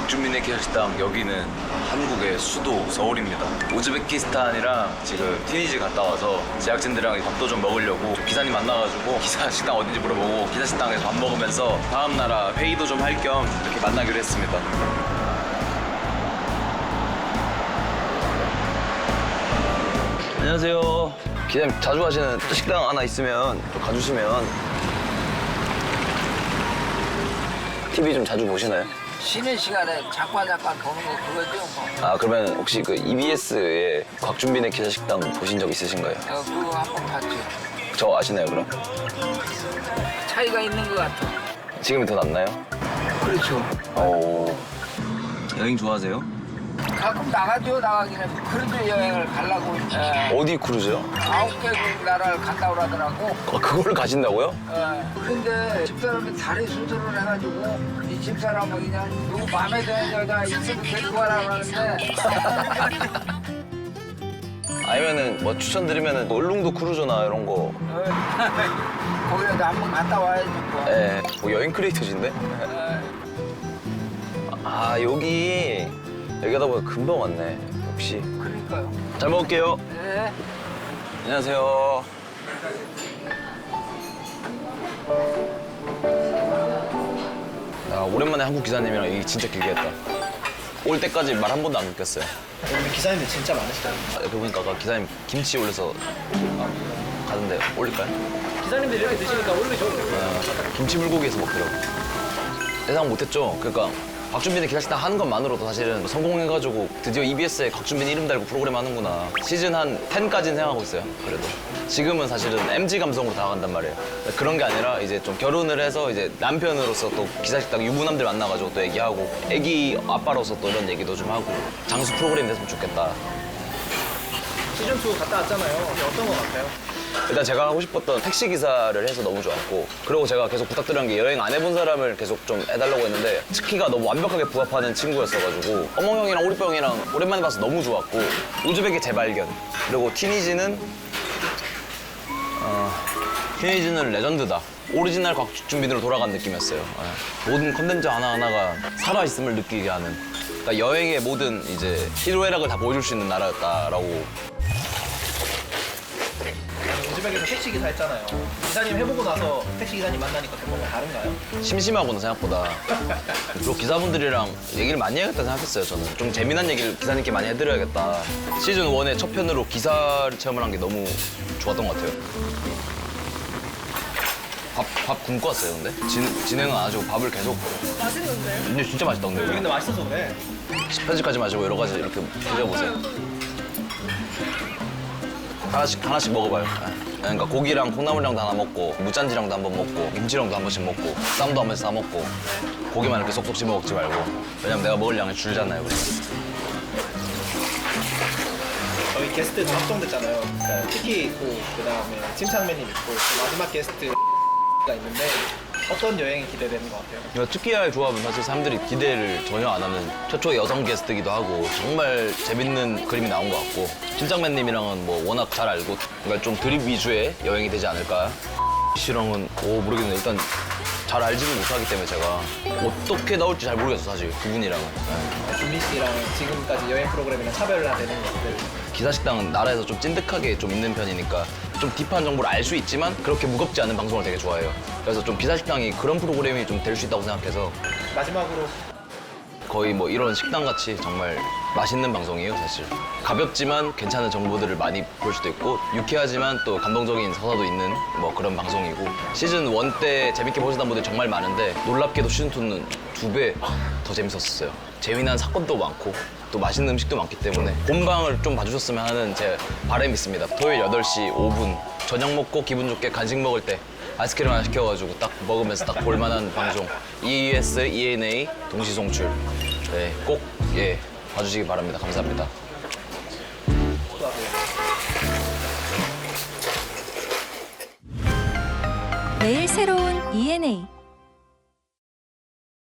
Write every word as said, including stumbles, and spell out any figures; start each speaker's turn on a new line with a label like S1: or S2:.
S1: 곽준빈의 기사식당, 여기는 한국의 수도 서울입니다. 우즈베키스탄이랑 지금 티니지 갔다 와서 제작진들이랑 밥도 좀 먹으려고 기사님 만나가지고 기사식당 어딘지 물어보고 기사식당에서 밥 먹으면서 다음 나라 회의도 좀 할 겸 이렇게 만나기로 했습니다. 안녕하세요. 기사님 자주 가시는 식당 하나 있으면 또 가주시면. 티비 좀 자주 보시나요?
S2: 쉬는 시간에 잠깐 잠깐 보는 거 그거죠 뭐.
S1: 아, 그러면 혹시 그 이비에스에 곽준빈의 기사식당 보신 적 있으신가요?
S2: 어, 그거 한 번 봤죠.
S1: 저 아시나요, 그럼?
S2: 차이가 있는 것 같아.
S1: 지금이 더 낫나요?
S2: 그렇죠.
S1: 오. 여행 좋아하세요?
S2: 가끔 나가죠. 나가기는 크루즈 여행을 가려고 에,
S1: 어디 크루즈요?
S2: 아홉 개국 나라를 간다고 그러더라고.
S1: 아, 그거를 가신다고요?
S2: 에, 근데 집사람이 다리 수술을 해가지고 이 집사람은 그냥 누구 마음에 드는 여자 있으면 데리고 가라고 하는데
S1: 아니면은 뭐 추천드리면은 울릉도 크루즈나 이런 거.
S2: 어, 거기라도 한번 갔다 와야지 뭐.
S1: 예. 뭐 여행 크리에이터신데?
S2: 에,
S1: 아, 여기 여기 하다 보니까 금방 왔네. 역시.
S2: 그러니까요.
S1: 잘 먹을게요.
S2: 네.
S1: 안녕하세요. 야, 오랜만에 한국 기사님이랑 얘기 진짜 길게 했다. 올 때까지 말 한 번도 안 느꼈어요.
S3: 여기 기사님들 진짜 많으시다.
S1: 아, 옆에 보니까 아까 기사님 김치 올려서 가던데 올릴까요?
S3: 기사님들 이렇게 드시니까 올리면 좋은데.
S1: 아, 김치 불고기에서 먹더라고. 예상 못했죠? 그러니까 곽준빈의 기사식당 하는 것만으로도 사실은 성공해가지고 드디어 이비에스에 곽준빈 이름 달고 프로그램 하는구나. 시즌 한 십까지는 생각하고 있어요. 그래도 지금은 사실은 엠지 감성으로 다가간단 말이에요. 그런 게 아니라 이제 좀 결혼을 해서 이제 남편으로서 또 기사식당 유부남들 만나가지고 또 얘기하고 애기 아빠로서 또 이런 얘기도 좀 하고 장수 프로그램이 됐으면 좋겠다.
S3: 시즌 투 갔다 왔잖아요. 이게 어떤 거 같아요?
S1: 일단 제가 하고 싶었던 택시 기사를 해서 너무 좋았고, 그리고 제가 계속 부탁드린 게 여행 안 해본 사람을 계속 좀 해달라고 했는데 스키가 너무 완벽하게 부합하는 친구였어가지고 어몽 형이랑 오리빠 형이랑 오랜만에 봐서 너무 좋았고, 우즈벡의 재발견, 그리고 티니지는 어, 티니지는 레전드다. 오리지널 곽준빈으로 돌아간 느낌이었어요. 예. 모든 컨텐츠 하나하나가 살아있음을 느끼게 하는, 그러니까 여행의 모든 이제 희로애락을 다 보여줄 수 있는 나라였다라고.
S3: 우즈벡에서 택시 기사 했잖아요. 기사님 해보고 나서 택시 기사님 만나니까 좀 뭔가 다른가요?
S1: 심심하구나 생각보다. 그리고 기사분들이랑 얘기를 많이 해야겠다 생각했어요. 저는 좀 재미난 얘기를 기사님께 많이 해드려야겠다. 시즌 일의 첫 편으로 기사를 체험을 한 게 너무 좋았던 것 같아요. 밥, 밥 굶고 왔어요, 근데? 진, 진행은 안 하시고 밥을 계속.
S3: 맛있는데?
S1: 근데 진짜 맛있던데,
S3: 여기
S1: 여기.
S3: 근데 맛있어서 그래.
S1: 편집하지 마시고 여러 가지 이렇게 드셔보세요. 하나씩, 하나씩 먹어봐요. 예. 그러니까 고기랑 콩나물이랑도 하나 먹고, 무짠지랑도 한 번 먹고, 김치랑도 한 번씩 먹고, 쌈도 한 번씩 싸 먹고, 고기만 이렇게 쏙쏙 씹어 먹지 말고. 왜냐면 내가 먹을 양이 줄잖아요, 그래서.
S3: 저희 게스트 다 확정됐잖아요. 그러니까 특히 있고 그다음에 침착맨님 있고 또 마지막 게스트가 있는데 어떤 여행이 기대되는 것 같아요?
S1: 그러니까 특기야의 조합은 사실 사람들이 기대를 전혀 안 하는 최초의 여성 게스트기도 하고 정말 재밌는 그림이 나온 것 같고, 팀장맨님이랑은 뭐 워낙 잘 알고, 그러니까 좀 드립 위주의 여행이 되지 않을까. 씨랑은 오 모르겠네. 일단 잘 알지는 못하기 때문에 제가 어떻게 나올지 잘 모르겠어 사실 그분이랑은. 네.
S3: 준빈 씨랑 지금까지 여행 프로그램이랑 차별화되는 것들.
S1: 기사식당은 나라에서 좀 찐득하게 좀 있는 편이니까 좀 딥한 정보를 알 수 있지만 그렇게 무겁지 않은 방송을 되게 좋아해요. 그래서 좀 기사식당이 그런 프로그램이 좀 될 수 있다고 생각해서
S3: 마지막으로
S1: 거의 뭐 이런 식당 같이 정말 맛있는 방송이에요, 사실. 가볍지만 괜찮은 정보들을 많이 볼 수도 있고, 유쾌하지만 또 감동적인 서사도 있는 뭐 그런 방송이고, 시즌 일 때 재밌게 보시던 분들이 정말 많은데 놀랍게도 시즌 이는 두 배 더 재밌었어요. 재미난 사건도 많고 또 맛있는 음식도 많기 때문에 본방을 좀 봐주셨으면 하는 제 바람이 있습니다. 토요일 여덟 시 오 분 저녁 먹고 기분 좋게 간식 먹을 때 아이스크림 하나 시켜가지고 딱 먹으면서 딱 볼만한 방송, 이이에스, 이엔에이 동시 송출. 네, 꼭 예 봐주시기 바랍니다. 감사합니다.
S4: 매일 새로운 이엔에이